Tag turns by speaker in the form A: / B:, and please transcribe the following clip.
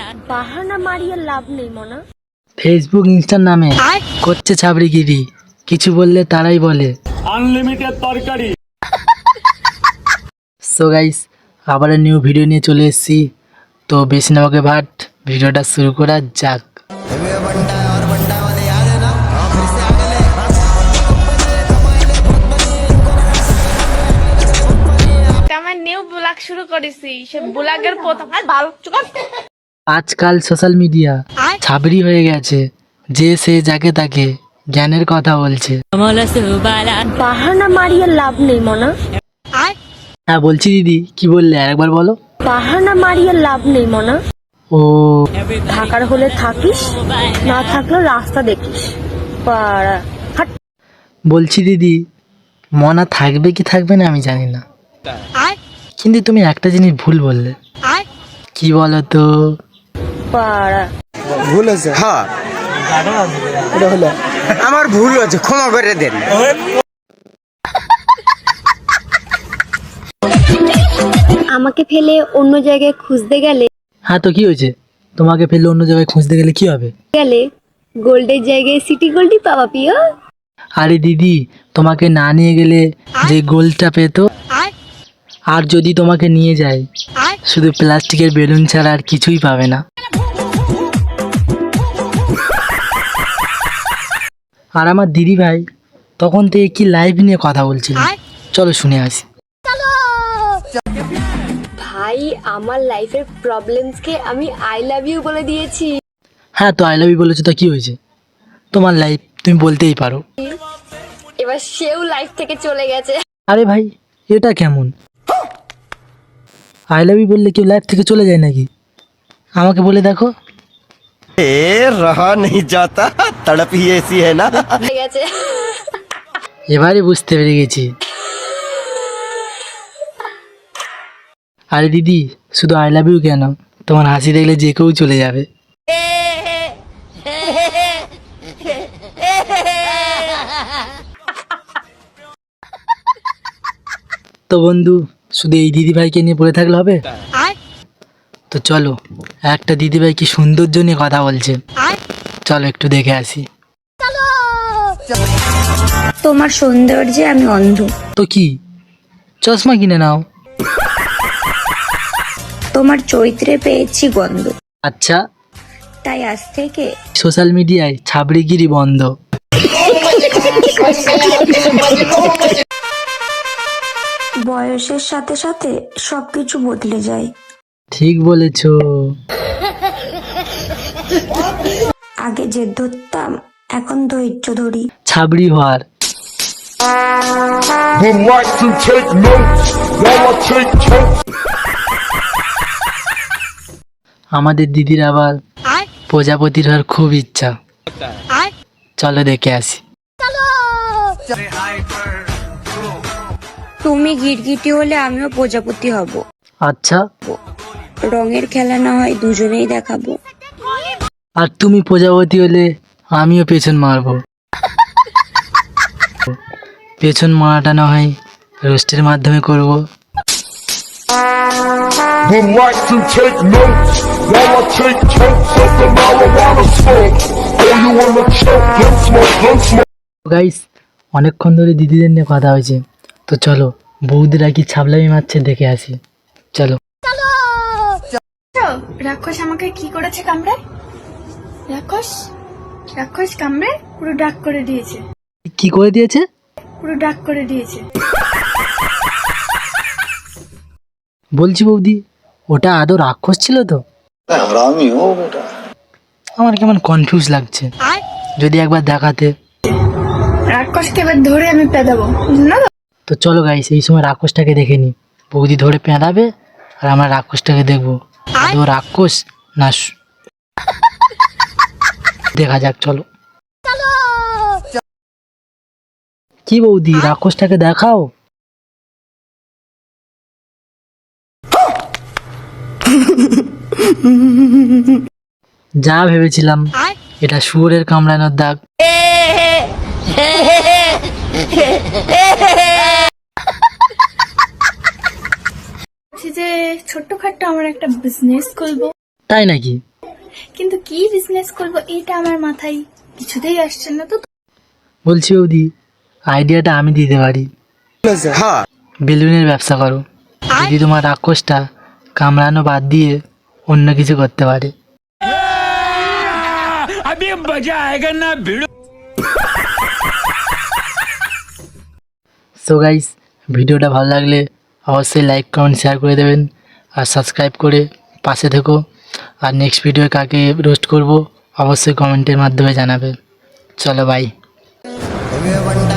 A: বাহানা মারিয়ে লাভ নেই মনা।
B: ফেসবুক ইনস্টার নামে করছে ছাবড়িগিরি, কিছু বললে তারাই বলে
C: আনলিমিটেড তরকারি।
B: সো গাইস, আবার নিউ ভিডিও নিয়ে চলে এসেছি। তো বেশি না ওকে ভাট, ভিডিওটা শুরু করা যাক।
D: আমার নিউ ব্লগ শুরু করেছি, সে ব্লগের প্রথম ভালো
B: আজকাল সোশ্যাল মিডিয়া ছাবড়ি হয়ে গেছে, যে সে যাকে তাকে জ্ঞানের কথা বলছে।
A: বাহানা মারিয়ে লাভ নেই মনা।
B: হ্যাঁ বলছি দিদি, কি বললে আরেকবার বলো।
A: বাহানা মারিয়ে লাভ নেই মনা।
B: ও
A: থাকার হলে থাকিস, না থাকলে রাস্তা দেখিস। পাড়া হাট।
B: বলছি দিদি, মনা থাকবে কি থাকবে না আমি জানি না, কিন্তু তুমি একটা জিনিস ভুল বললে। কি বলো তো?
A: পাড়া
E: ভুল হয়েছে। হ্যাঁ এটা হলো আমার ভুল হয়েছে, ক্ষমা করে দেন।
A: আমাকে ফেলে অন্য জায়গায় খুঁজতে গেলে
B: হ্যাঁ তো কি হয়েছে, তোমাকে ফেললে অন্য জায়গায় খুঁজতে গেলে কি হবে?
A: গোল্ডের জায়গায় সিটি গোল্ডই পাওয়া প্রিয়।
B: আরে দিদি, তোমাকে না নিয়ে গেলে যে গোলটা পেতো, আর যদি তোমাকে নিয়ে যায় শুধু প্লাস্টিকের বেলুন ছাড়া আর কিছুই পাবে না। আর আমার দিদি ভাই তখন থেকে কি লাইভ নিয়ে কথা বলছিল, চলো শুনে আসি।
A: ভাই, আমার লাইফের প্রবলেমসকে আমি আই লাভ ইউ বলে দিয়েছি।
B: হ্যাঁ তো আই লাভ ইউ বলেছো, তো কি হয়েছে? তোমার লাইফ, তুমি বলতেই পারো।
A: এবার সেও লাইফ থেকে চলে গেছে।
B: আরে ভাই, এটা কেমন? আই লাভ ইউ বললে কেউ লাইফ থেকে চলে যায় নাকি? আমাকে বলে দেখো।
E: রহা নেই যাতা, তড়প হি ऐसी है ना।
A: চলে গেছে।
B: এবারে বুঝতে পেরে গেছি। আরে দিদি, শুধু আই লাভ ইউ কেন, তোমার হাসি দেখলে যে কেউ চলে যাবে। তো বন্ধু, শুধু এই দিদি ভাইকে নিয়ে পড়ে থাকলে হবে? তো চলো, একটা দিদি ভাই কি সৌন্দর্য নিয়ে কথা বলছে, চলো একটু দেখে আসি।
F: তোমার সৌন্দর্যে আমি অন্ধ।
B: তো কি, চশমা কিনে নাও।
F: তোমার চরিত্রে পেয়েছি গন্ধ,
B: আচ্ছা,
F: তাই আজ থেকে
B: সোশ্যাল মিডিয়ায় ছাবড়িগিরি বন্ধ।
F: বয়সের সাথে সাথে সবকিছু বদলে যায়।
B: ঠিক বলেছো।
F: আগে জেদ ধরতাম, এখন ধৈর্য ধরি।
B: ছাবড়ি হওয়ার
C: Would like to take notes while I take totes.
B: আমাদের দিদির আবার প্রজাপতির হওয়ার খুব ইচ্ছা, চলো দেখে আসি।
F: তুমি গিরগিটি হলে আমিও প্রজাপতি হব।
B: আচ্ছা,
F: রঙের খেলা না হয় দুজনেই দেখাবো।
B: আর তুমি প্রজাপতি হলে আমিও পেছন মারবো। পেছন মারাটা না হয় রোস্টের মাধ্যমে করব।
C: Would like to take notes while I take totes of the marijuana smoke. Oh, you wanna choke? Gun smoke, gun smoke.
B: Guys, অনেকক্ষণ ধরে দিদিদের নিয়ে কথা হয়েছে, তো চলো বৌদিরা কি ছাবলামি মারছে দেখে আসি, চলো।
D: রাক্ষস আমাকে কি করেছে কামড়ে? রাক্ষস রাক্ষস কামড়ে পুরো ডাক করে দিয়েছে,
B: কি করে দিয়েছে?
D: পুরো ডাক করে দিয়েছে।
B: বলছি বৌদি, ওটা আদৌ রাক্ষস ছিল তো? আমার কেমন কনফিউজ লাগছে, যদি একবার দেখাতে।
D: রাক্ষসকে এবার ধরে আমি পেদাবো, না তো?
B: তো চলো গাইস, এই সময় রাক্ষসটাকে দেখে নি। বৌদি ধরে পেঁদাবে আর আমরা রাক্ষসটাকে দেখবো আদৌ রাক্ষস না দেখা যাক, চলো। কি বৌদি, রাক্ষসটাকে দেখাও। যা ভেবেছিলাম, এটা শুয়োরের কামড়ানোর দাগ।
D: যে ছোট্টখাট্ট আমার একটা বিজনেস খুলবো।
B: তাই নাকি?
D: কিন্তু কি বিজনেস করব এটা আমার মাথায় কিছুতেই আসছে না। তো
B: বলছি বৌদি, আইডিয়াটা আমি দিতে পারি।
E: হ্যাঁ
B: বেলুনের ব্যবসা করো, যদি তোমার রাক্ষসটা কামড়ানো বাদ দিয়ে অন্য কিছু করতে পারে। সো গাইস, ভিডিওটা ভালো লাগলে অবশ্যই লাইক কমেন্ট শেয়ার করে দেবেন, আর সাবস্ক্রাইব করে পাশে থেকো। আর নেক্সট ভিডিও কাকে রোস্ট করব অবশ্যই কমেন্টের মাধ্যমে জানাবে। চলো বাই।